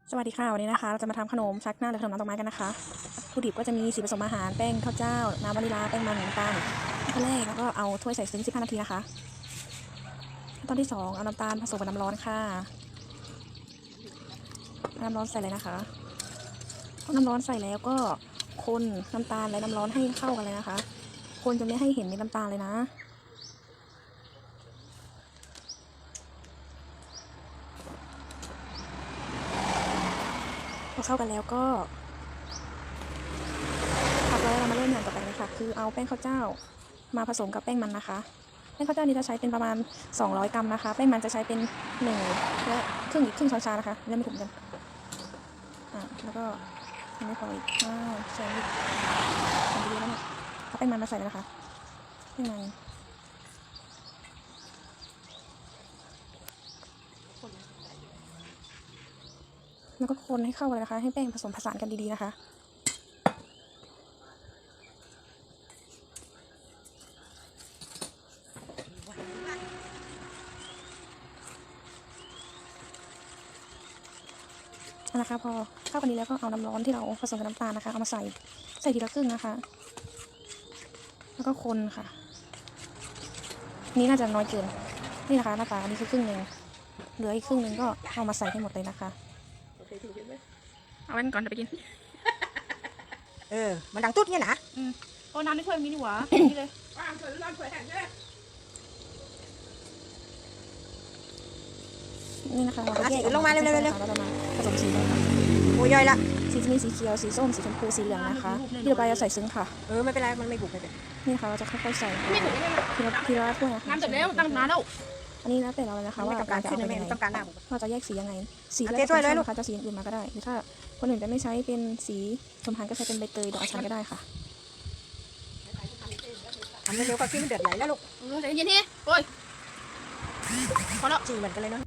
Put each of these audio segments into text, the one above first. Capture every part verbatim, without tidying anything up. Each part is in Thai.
สวัสดีค่ะวันนี้นะคะเราจะมาทำขนมชักหน้าหรือขนมน้ำดอกไม้กันนะคะวัตถุดิบก็จะมีสีผสมอาหารแป้งข้าวเจ้าน้ำวานิลาแป้งมันน้ำตาลขั้นแรกแล้วก็เอาถ้วยใส่ซึ้งสิบห้านาทีนะคะขั้นตอนที่สองเอาน้ำตาลผสมกับน้ำร้อนค่ะน้ำร้อนใส่เลยนะคะน้ำร้อนใส่แล้วก็คนน้ำตาลและน้ำร้อนให้เข้ากันเลยนะคะคนจนไม่ให้เห็นเม็ดน้ำตาลเลยนะพอเข้ากันแล้วก็พักไว้เรามาเริ่มอย่างต่อไปเลยค่ะคือเอาแป้งข้าวเจ้ามาผสมกับแป้งมันนะคะแป้งข้าวเจ้านี้จะใช้เป็นประมาณสองร้อยกรัมนะคะแป้งมันจะใช้เป็นหนึ่งและครึ่งอีกครึ่งช้อนชานะคะเริ่มไม่ถูกกันอ่าแล้วก็ยังไม่พออีกอ้าวใส่อีกใส่ไปเยอะแล้วเนี่ยเอาแป้งมันมาใส่เลยนะคะแป้งมันแล้วก็คนให้เข้ากันเลยนะคะให้แป้งผสมผสานกันดีๆนะคะนะคะพอเข้ากันดีแล้วก็เอาน้ำร้อนที่เราผสมกับน้ำตาลนะคะเอามาใส่ใส่ทีละครึ่งนะคะแล้วก็คนค่ะนี่น่าจะน้อยเกินนี่นะคะหน้าตาอันนี้คือครึ่งหนึ่งเหลืออีกครึ่งหนึ่งก็เอามาใส่ให้หมดเลยนะคะเอาไว้ก่อนเดี๋ยวไปกินเออมันดังตุ๊ดเนี่ยนะอืมโอ้น้ำในถ้วยมีนี่หว่านี่เลยนี่นะคะเราแยกลงมาเร็วๆๆแล้วเรามาผสมสีกันค่ะโอ้ยย่อยละสีจะมีสีเขียวสีส้มสีชมพูสีเหลืองนะคะที่เราไปจะใส่ซึ้งค่ะเออไม่เป็นไรมันไม่บุกเลยนี่นะคะเราจะค่อยๆใส่ทีละทีละถ้วยนะคะน้ำจบแล้วตั้งนานแล้วอันนี้แล้วแต่เราเลยนะคะว่าต้องการขึ้นจะไม่เอายังไงต้องการหน้าบุกเราจะแยกสียังไงสีแล้วถ้วยเลยลูกนะคะจะสีอื่นมาก็ได้หรือถ้าคนอื่นจะไม่ใช้เป็นสีชมพูก็ใช้เป็นใบเตยดอกอัญชันก็ได้ค่ะทำเร็วๆก็ขึ้นเดือดไหลแล้วลูกเออใจเย็นทีโอ้ยพอแล้วจริงเหมือนกันเลยเนาะ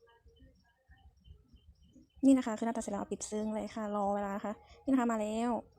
นี่นะคะคือหน้าตาเสร็จแล้วปิดซึ้งเลยค่ะรอเวลานะคะนี่นะคะมาแล้ว